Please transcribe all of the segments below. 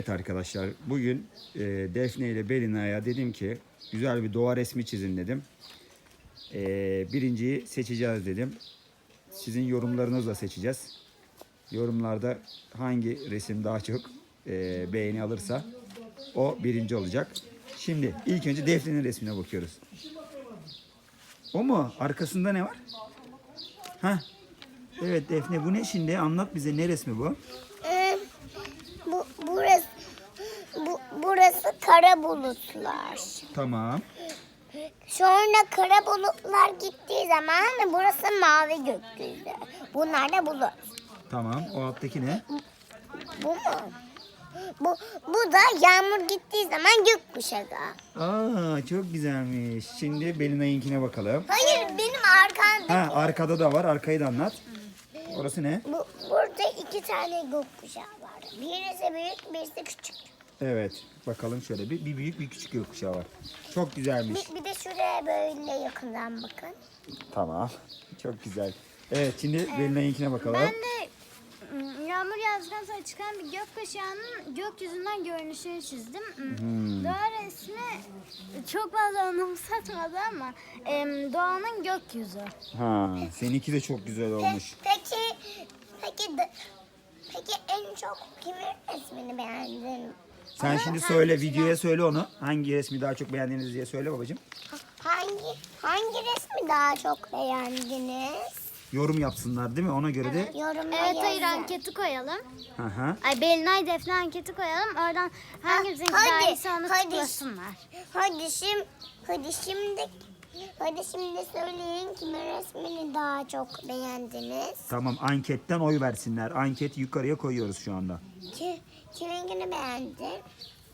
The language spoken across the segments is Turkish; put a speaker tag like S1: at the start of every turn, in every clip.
S1: Evet arkadaşlar, bugün Defne ile Belina'ya dedim ki güzel bir doğa resmi çizin dedim. Birinciyi seçeceğiz dedim. Sizin yorumlarınızla seçeceğiz. Yorumlarda hangi resim daha çok beğeni alırsa o birinci olacak. Şimdi ilk önce Defne'nin resmine bakıyoruz. O mu? Arkasında ne var? Hah. Evet Defne, bu ne şimdi? Anlat bize, ne resmi bu?
S2: Burası kara bulutlar.
S1: Tamam.
S2: Sonra kara bulutlar gittiği zaman burası mavi gökyüzü. Bunlar da bulut.
S1: Tamam. O alttaki ne?
S2: Bu mu? Bu da yağmur gittiği zaman gökkuşağı.
S1: Aa, çok güzelmiş. Şimdi Belina'yınkine bakalım.
S2: Hayır, benim arkamda.
S1: Ha, arkada da var. Arkayı da anlat. Orası ne?
S2: Burada iki tane gökkuşağı var. Birisi büyük, birisi küçük.
S1: Evet. Bakalım şöyle bir büyük bir küçük gökkuşağı var. Çok güzelmiş.
S2: Bir de şuraya böyle yakından bakın.
S1: Tamam. Çok güzel. Evet, şimdi Belina'yınkine bakalım.
S3: Ben de yağmur yağdıktan sonra çıkan bir gökkuşağının gökyüzünden görünüşünü çizdim. Doğa resmi çok fazla anımsatmadı ama doğanın gökyüzü.
S1: Ha, seninki de çok güzel olmuş.
S2: Peki en çok kimin resmini beğendin?
S1: Sen şimdi söyle, videoya söyle onu. Hangi resmi daha çok beğendiniz diye söyle babacığım.
S2: Hangi resmi daha çok beğendiniz?
S1: Yorum yapsınlar değil mi? Ona göre de.
S2: Yorumlara
S3: Evet, hayır,
S2: yazın.
S3: anketi koyalım.
S1: Hı hı.
S3: Ay, Belinay Defne anketi koyalım. Oradan hangimizin
S2: hadi,
S3: daha iyisi onu
S2: hadi.
S3: tıklasınlar.
S2: Hadi şimdi söyleyin kimin resmini daha çok beğendiniz?
S1: Tamam, anketten oy versinler. Anketi yukarıya koyuyoruz şu anda.
S2: Kiminkini beğendin?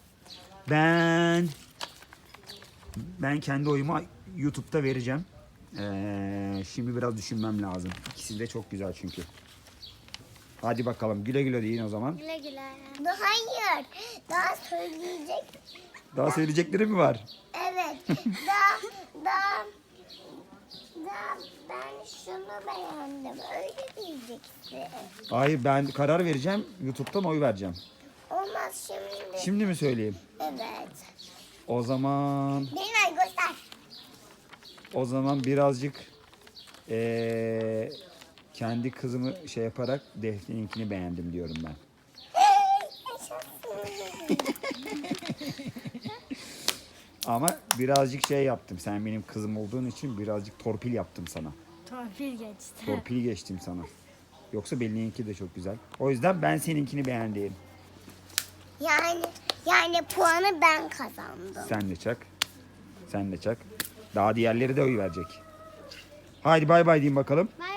S1: Ben kendi oyumu YouTube'da vereceğim. Şimdi biraz düşünmem lazım. İkisi de çok güzel çünkü. Hadi bakalım, güle güle deyin o zaman.
S3: Güle güle.
S2: Hayır. Daha söyleyecek.
S1: Daha söyleyecekleri mi var?
S2: Evet. Daha ben şunu beğendim. Öyle diyeceksin.
S1: Hayır, ben karar vereceğim. YouTube'dan oy vereceğim.
S2: Olmaz şimdi.
S1: Şimdi mi söyleyeyim?
S2: Evet.
S1: O zaman
S2: Göster.
S1: birazcık kendi kızımı şey yaparak Defne'ninkini beğendim diyorum ben. Ama birazcık şey yaptım. Sen benim kızım olduğun için birazcık torpil yaptım sana.
S3: Torpil geçti.
S1: Torpil geçtim sana. Yoksa Belina'nınki de çok güzel. O yüzden ben seninkini beğendim.
S2: Yani puanı ben kazandım.
S1: Sen de çak. Sen de çak. Daha diğerleri de oy verecek. Haydi bay bay diyeyim bakalım.
S3: Bay